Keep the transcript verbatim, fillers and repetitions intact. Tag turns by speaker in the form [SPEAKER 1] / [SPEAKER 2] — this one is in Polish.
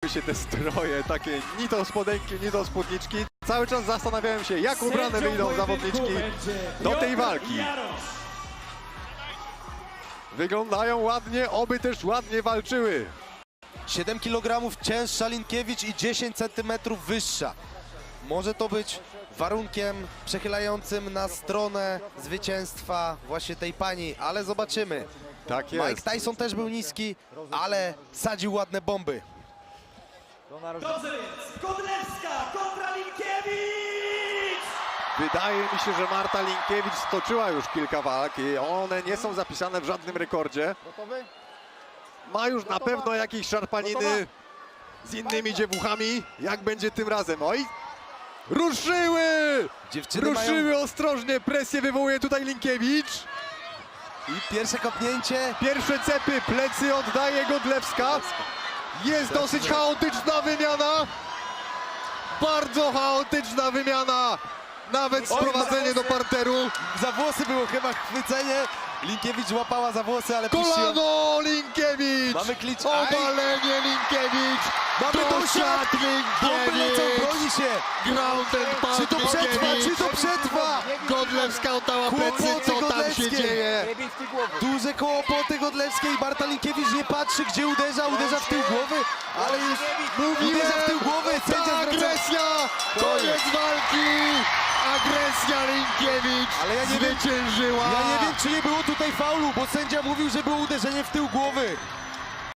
[SPEAKER 1] mi się te stroje, takie ni to spodenki, ni to spódniczki. Cały czas zastanawiałem się, jak ubrane wyjdą zawodniczki do tej walki. Wyglądają ładnie, oby też ładnie walczyły.
[SPEAKER 2] siedem kilogramów cięższa Linkiewicz i dziesięć centymetrów wyższa. Może to być warunkiem przechylającym na stronę zwycięstwa właśnie tej pani, ale zobaczymy.
[SPEAKER 1] Tak jest.
[SPEAKER 2] Mike Tyson też był niski, ale sadził ładne bomby.
[SPEAKER 3] Drodzy więc, Godlewska kontra Linkiewicz!
[SPEAKER 1] Wydaje mi się, że Marta Linkiewicz stoczyła już kilka walk i one nie są zapisane w żadnym rekordzie. Ma już na pewno jakieś szarpaniny z innymi dziewuchami. Jak będzie tym razem? Oj! Ruszyły!
[SPEAKER 2] Dziewczyny
[SPEAKER 1] Ruszyły
[SPEAKER 2] mają...
[SPEAKER 1] ostrożnie, presję wywołuje tutaj Linkiewicz.
[SPEAKER 2] I pierwsze kopnięcie.
[SPEAKER 1] Pierwsze cepy, plecy oddaje Godlewska. Jest dosyć chaotyczna wymiana. Bardzo chaotyczna wymiana. Nawet sprowadzenie do parteru.
[SPEAKER 2] Za włosy było chyba chwycenie. Linkiewicz łapała za włosy, ale puściła.
[SPEAKER 1] Kolano Linkiewicz!
[SPEAKER 2] Mamy klicz.
[SPEAKER 1] Obalenie Linkiewicz!
[SPEAKER 2] Mamy
[SPEAKER 1] Dosiad
[SPEAKER 2] Bomby lecą,
[SPEAKER 1] Linkiewicz!
[SPEAKER 2] broni się.
[SPEAKER 1] Ground and pound
[SPEAKER 2] Czy to przetrwa,
[SPEAKER 1] Linkiewicz!
[SPEAKER 2] czy to przetrwa?
[SPEAKER 1] Godlewska oddała plecy,
[SPEAKER 2] Kłopoty
[SPEAKER 1] co tam się
[SPEAKER 2] Godlewskiej.
[SPEAKER 1] dzieje?
[SPEAKER 2] Duże kłopoty Godlewskiej. Marta Linkiewicz nie patrzy, gdzie uderza. Uderza w tył głowy, ale jest... Uderza w tył głowy.
[SPEAKER 1] Ta
[SPEAKER 2] Sędzia zwraca...
[SPEAKER 1] agresja! Koniec walki! Agresja Linkiewicz
[SPEAKER 2] Ale ja nie wiem-
[SPEAKER 1] zwyciężyła!
[SPEAKER 2] Ja nie wiem, czy nie było tutaj faulu, bo sędzia mówił, że było uderzenie w tył głowy.